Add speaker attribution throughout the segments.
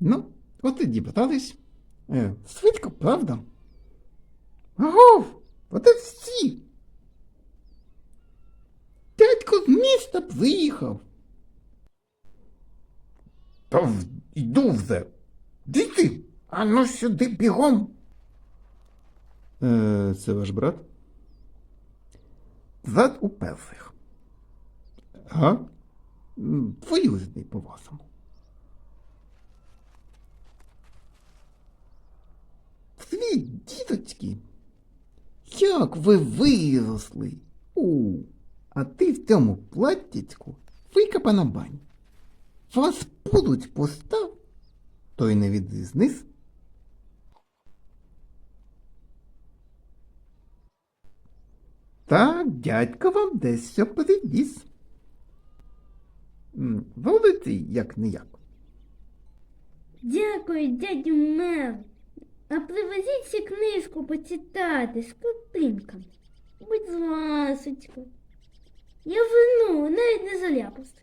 Speaker 1: Ну, от і дібратались. Швидко, правда? Агов, от і всі. Дядько з міста приїхав. Та йду вже. Діти, а ну сюди бігом. Це ваш брат? Брат у перших. Ага. Двоюрідний по-вашому. Привіт, діточки. Як ви виросли? А ти в цьому платтячку викопана бань. Вас будуть постав, то й не відрізнись. Так, дядько вам дещо привіз. Володий, як не як.
Speaker 2: Дякую, дядю Мел. А привезіть ще книжку почитати з картинками. Будь ласочка. Я вину навіть не заляпався.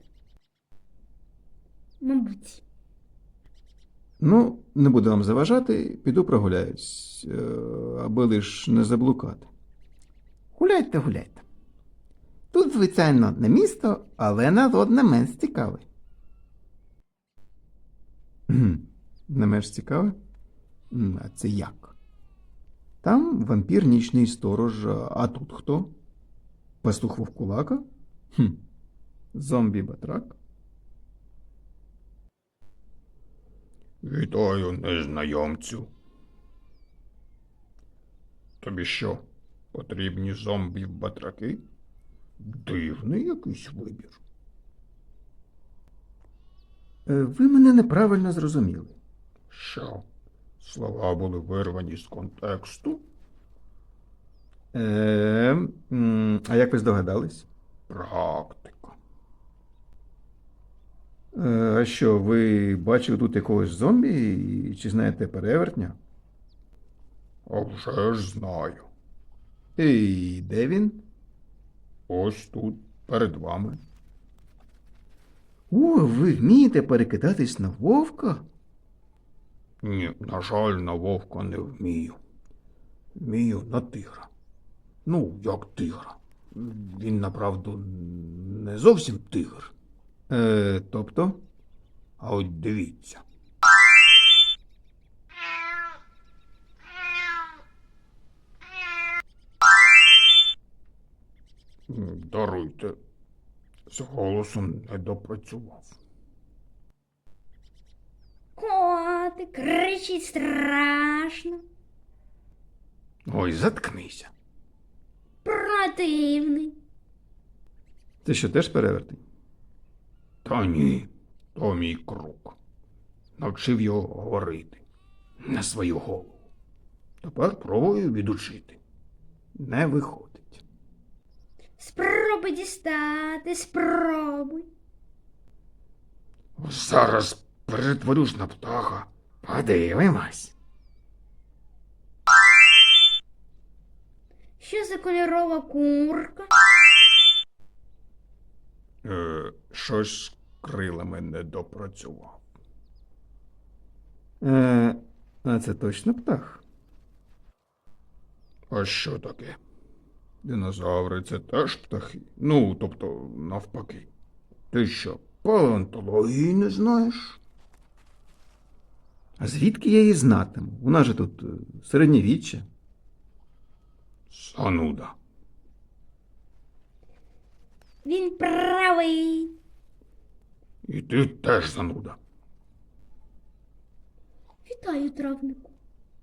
Speaker 2: Мабуть.
Speaker 1: Ну, не буду вам заважати, піду прогуляюсь, аби лиш не заблукати. Гуляйте, гуляйте. Тут, звичайно, не місто, але народ не менш цікавий. Не менш цікавий? А це як? Там вампір нічний сторож, а тут хто? Пастух вовкулака? Зомбі-батрак?
Speaker 3: Вітаю, незнайомцю. Тобі що, потрібні зомбі-батраки? Дивний якийсь вибір.
Speaker 1: Ви мене неправильно зрозуміли.
Speaker 3: Що, слова були вирвані з контексту?
Speaker 1: А як ви здогадались?
Speaker 3: Практика.
Speaker 1: А що, ви бачили тут якогось зомбі і чи знаєте перевертня?
Speaker 3: А вже ж знаю.
Speaker 1: І де він?
Speaker 3: Ось тут, перед вами.
Speaker 1: Ви вмієте перекидатись на вовка?
Speaker 3: Ні, на жаль, на вовка не вмію. Вмію на тигра. Ну, як тигра. Він, направду, не зовсім тигр.
Speaker 1: Тобто?
Speaker 3: А от дивіться. Даруйте, з голосом не допрацював.
Speaker 2: Котик кричить страшно.
Speaker 3: Ой, заткнися.
Speaker 2: Противний.
Speaker 1: Це що, теж перевертень?
Speaker 3: Та ні, то мій круг. Навчив його говорити на свою голову. Тепер пробую відучити. Не виходить.
Speaker 2: Спробуй дістати, спробуй.
Speaker 3: Зараз перетворюсь на птаха. Подивимось.
Speaker 2: Що за кольорова курка?
Speaker 3: Щось з крилами не допрацював.
Speaker 1: А це точно птах?
Speaker 3: А що таке? Динозаври це теж птахи? Ну, тобто, навпаки. Ти що, палеонтології не знаєш?
Speaker 1: А звідки я її знатиму? У нас же тут середньовіччя.
Speaker 3: Зануда.
Speaker 2: Він правий.
Speaker 3: І ти теж зануда.
Speaker 2: Вітаю, травнику.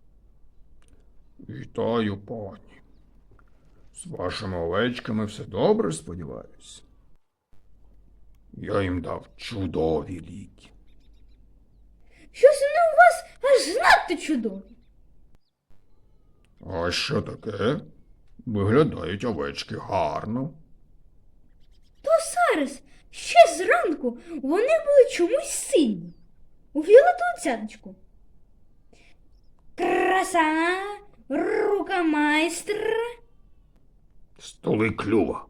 Speaker 3: Вітаю, пані. З вашими овечками все добре, сподіваюсь. Я їм дав чудові ліки.
Speaker 2: Щось вони у вас аж надто чудові.
Speaker 3: А що таке? Виглядають овечки гарно.
Speaker 2: То зараз, ще зранку, вони були чомусь сині. У фіолетову цяточку. Краса, рука майстра.
Speaker 3: Столи клюва.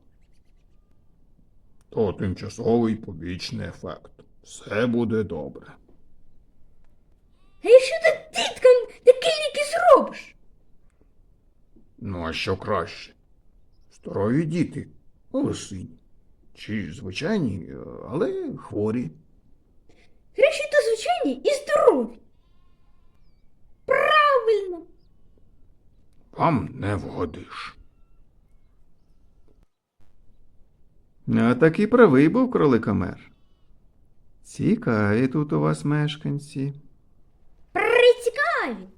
Speaker 3: То тимчасовий побічний ефект. Все буде добре.
Speaker 2: А якщо ти діткам такі ліки зробиш?
Speaker 3: Ну, а що краще? Здорові діти, лисині. Чи звичайні, але хворі.
Speaker 2: Краще то звичайні і здорові. Правильно.
Speaker 3: Вам не вгодиш.
Speaker 1: А таки правий був кроликомер. Цікаві тут у вас мешканці.
Speaker 2: Прицікаві.